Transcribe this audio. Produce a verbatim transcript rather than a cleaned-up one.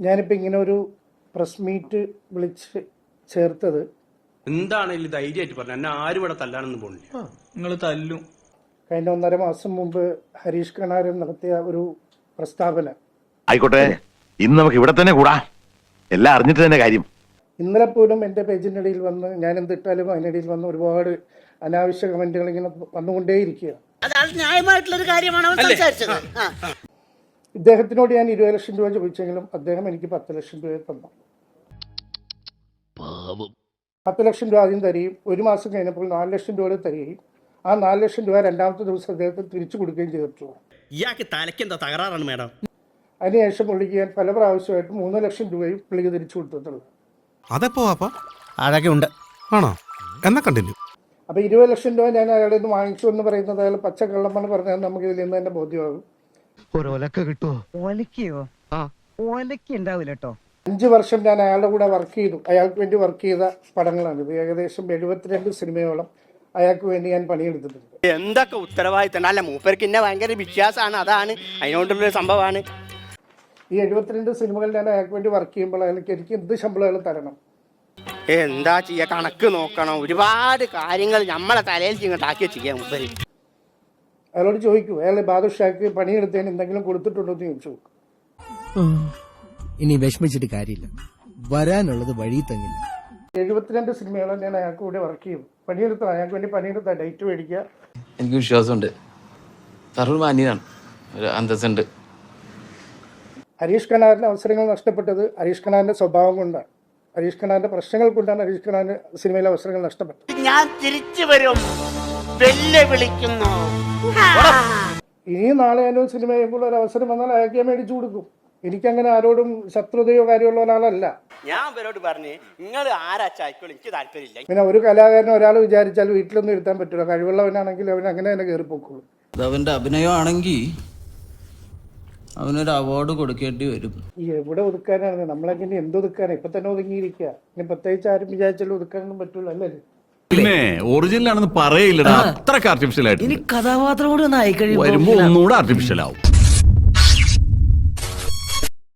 ഞാനിപ്പോൾ ഇങ്ങനെ ഒരു പ്രസ് മീറ്റ് വിളിച്ച് ചേർത്തത് എന്താണെങ്കിലും ധൈര്യമായിട്ട് പറഞ്ഞു. എന്നെ ആരും ഇവിടെ തല്ലാനൊന്നും പോണില്ല. നിങ്ങൾ തല്ലും. കഴിഞ്ഞ ഒന്നര മാസം മുമ്പ് ഹരീഷ് കണാരൻ നടത്തിയ ഒരു പ്രസ്താവന. ആയിക്കോട്ടെ, ഇന്ന് നമുക്ക് ഇവിടെ തന്നെ കൂടാ, എല്ലാം അറിഞ്ഞിട്ട് തന്നെ കാര്യം. ഇന്നലെ പോലും എൻ്റെ പേജിൻ്റെ ഇടയിൽ വന്ന് ഞാൻ എന്തിട്ടാലും അതിനിടയിൽ വന്ന് ഒരുപാട് അനാവശ്യ കമന്റുകൾ ഇങ്ങനെ വന്നുകൊണ്ടേയിരിക്കുക. ന്യായമായിട്ടുള്ളൊരു കാര്യമാണ് അവൻ സംസാരിച്ചത്. ഇദ്ദേഹത്തിനോട് ഞാൻ ഇരുപത് ലക്ഷം രൂപ ചോദിച്ചെങ്കിലും അദ്ദേഹം എനിക്ക് പത്ത് ലക്ഷം രൂപ തന്നു. പത്ത് ലക്ഷം രൂപ ആദ്യം തരികയും ഒരു മാസം കഴിഞ്ഞപ്പോൾ നാല് ലക്ഷം രൂപ തരികയും ആ നാല് ലക്ഷം രൂപ രണ്ടാമത്തെ ദിവസം അദ്ദേഹത്തിന് തിരിച്ചു കൊടുക്കുകയും ചെയ്തിട്ടുള്ളൂ. ഇയാൾക്ക് തലയ്ക്ക് എന്താ തകരാറാണ് മേഡം? അതിനുശേഷം പുള്ളിക്ക് ഞാൻ പല പ്രാവശ്യമായിട്ട് മൂന്ന് ലക്ഷം രൂപയും പുള്ളിക്ക് തിരിച്ചു കൊടുത്തിട്ടുള്ളൂ. അതെപ്പോ അതൊക്കെ ഉണ്ട് ആണോ? എന്നാ കണ്ടിന്യൂ. അപ്പോൾ ഇരുപത് ലക്ഷം രൂപ ഞാൻ അയാളുടെ നിന്ന് വാങ്ങിച്ചു എന്ന് പറയുന്നത് അയാൾ പച്ചക്കള്ളമാണ് പറഞ്ഞാൽ നമുക്ക് ഇതിൽ നിന്ന് തന്നെ ബോധ്യമാകും. അഞ്ച് വർഷം ഞാൻ അയാളുടെ കൂടെ വർക്ക് ചെയ്തു. അയാൾക്ക് വേണ്ടി വർക്ക് ചെയ്ത പടങ്ങളാണിത്. ഏകദേശം എഴുപത്തിരണ്ട് സിനിമയോളം അയാൾക്ക് വേണ്ടി ഞാൻ പണിയെടുത്തിട്ടുണ്ട്. എന്തൊക്കെ ഉത്തരവാദിത്തം അല്ല, മൂപ്പർക്ക് എന്നെ ഭയങ്കര വിശ്വാസമാണ്, അതാണ് അതിനോണ്ടുള്ള സംഭവമാണ്. ഈ എഴുപത്തിരണ്ട് സിനിമകൾ ഞാൻ അയാൾക്ക് വേണ്ടി വർക്ക് ചെയ്യുമ്പോൾ അയാൾക്ക് എനിക്ക് എന്ത് ശമ്പളം അയാൾ തരണം? എന്താ ചെയ്യാ, കണക്ക് നോക്കണം, ഒരുപാട് കാര്യങ്ങൾ നമ്മളെ തലയിൽ ഇങ്ങോട്ടാക്കി ചെയ്യാം. മൂപ്പര് അയാളോട് ചോദിക്കൂ, അയാൾ ബാദുഷാക്ക് പണിയെടുത്തതിന് എന്തെങ്കിലും കൊടുത്തിട്ടുണ്ടോ എന്ന് ചോദിച്ചു. ഇനി വിഷമിച്ചിട്ട് കാര്യമില്ല, വരാനുള്ളത് വഴി തങ്ങില്ല. എഴുപത്തിരണ്ട് സിനിമയോളം ഞാൻ അയാൾക്ക് കൂടെ വർക്ക് ചെയ്തു. പണിയെടുത്ത അയാൾക്ക് വേണ്ടി പണിയെടുത്ത ഡേറ്റ് മേടിക്കുക. എനിക്ക് വിശ്വാസമുണ്ട്, തരൂർ മാന്യനാണ്, ഒരു അന്തസ്സുണ്ട്. ഹരീഷ് കണാറിന്റെ അവസരങ്ങൾ നഷ്ടപ്പെട്ടത് ഹരീഷ് കണാറിന്റെ സ്വഭാവം കൊണ്ടാണ്, ഹരീഷ് കണാറിന്റെ പ്രശ്നങ്ങൾ കൊണ്ടാണ് ഹരീഷ് കണാറിന്റെ സിനിമയിലെ അവസരങ്ങൾ നഷ്ടപ്പെട്ടത്. ഞാൻ തിരിച്ചു വരും, വെല്ലുവിളിക്കുന്നു. ഇനിയും നാളെ ഞാനും സിനിമ ചെയ്യുമ്പോൾ ഒരു അവസരം വന്നാൽ അയാൾക്ക് ഞാൻ മേടിച്ചു കൊടുക്കും. എനിക്കങ്ങനെ ആരോടും ശത്രുതയോ കാര്യമുള്ള ഒരാളല്ല. ഞാൻ ഇവരോട് പറഞ്ഞു, നിങ്ങൾ ആരാച്ചായിക്കോളും, എനിക്ക് താല്പര്യമില്ല. പിന്നെ ഒരു കലാകാരൻ ഒരാൾ വിചാരിച്ചാൽ വീട്ടിലൊന്നും ഇരുത്താൻ പറ്റില്ല. കഴിവുള്ളവനാണെങ്കിൽ അവൻ അങ്ങനെ തന്നെ കയറിപ്പോക്കുള്ളൂ. അവന്റെ അഭിനയമാണെങ്കിൽ അവനൊരു അവാർഡ് കൊടുക്കേണ്ടി വരും. ഈ എവിടെ ഒതുക്കാനാണ്? നമ്മളെങ്ങനെ എന്തൊതുക്കാനാണ്? ഇപ്പൊ തന്നെ ഒതുങ്ങിയിരിക്കുക. ഇനി പ്രത്യേകിച്ച് ആരും വിചാരിച്ചാലും ഒതുക്കാനൊന്നും പറ്റൂല, അല്ലേ? പിന്നെ ഒറിജിനൽ ആണെന്ന് പറയില്ലടാ, അത്രക്ക് ആർട്ടിഫിഷ്യൽ ആയിട്ട്. ഇനി കഥാപാത്രം കൂടി ഒന്ന് ആയിക്കഴിയുമ്പോ വരുമ്പോ ഒന്നുകൂടെ ആർട്ടിഫിഷ്യൽ ആവും.